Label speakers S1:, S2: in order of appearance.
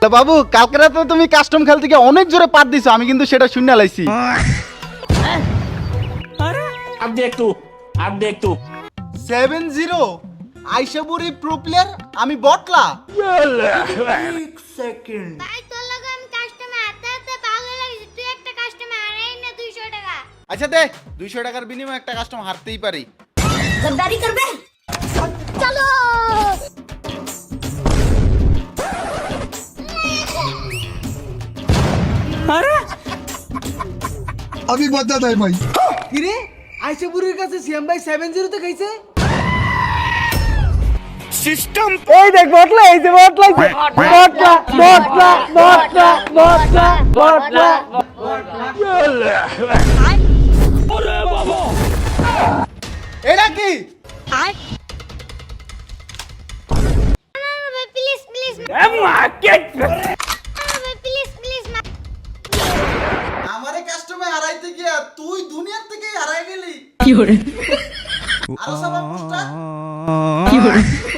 S1: বাবু কালকে রাতে তুমি কাস্টম খেলতে গিয়ে অনেক জোরে পাত দিছো, আমি কিন্তু সেটা শুনে লাইছি।
S2: अब देख तू
S1: 7-0 আইশাবুরি প্রো প্লেয়ার, আমি বটলা। এক সেকেন্ড
S3: ভাই তোর লগে আমি কাস্টমে হাতে হাতে পাগল লাগিস, তুই একটা কাস্টমে হারাই না 200 টাকা।
S1: আচ্ছা দে 200 টাকার বিনিময়ে একটা কাস্টম হারতেই পারি।
S3: গদ্দারি করবে চলো।
S4: अभी बदत है भाई।
S5: কিরে আইশাপুরের কাছে সিএম ভাই 70 তে খাইছে।
S2: सिस्टम
S5: এই দেখ বটলা, এই যে বটলা, বটলা বটলা বটলা বটলা বটলা।
S1: এটা কি?
S3: Please please
S2: market
S3: please please
S1: আমারে কাস্টমে হারাইতে গিয়া তুই দুনিয়ার থেকেই হারাই গেলি। কি করে? আরো সব পুষ্টা কি করে?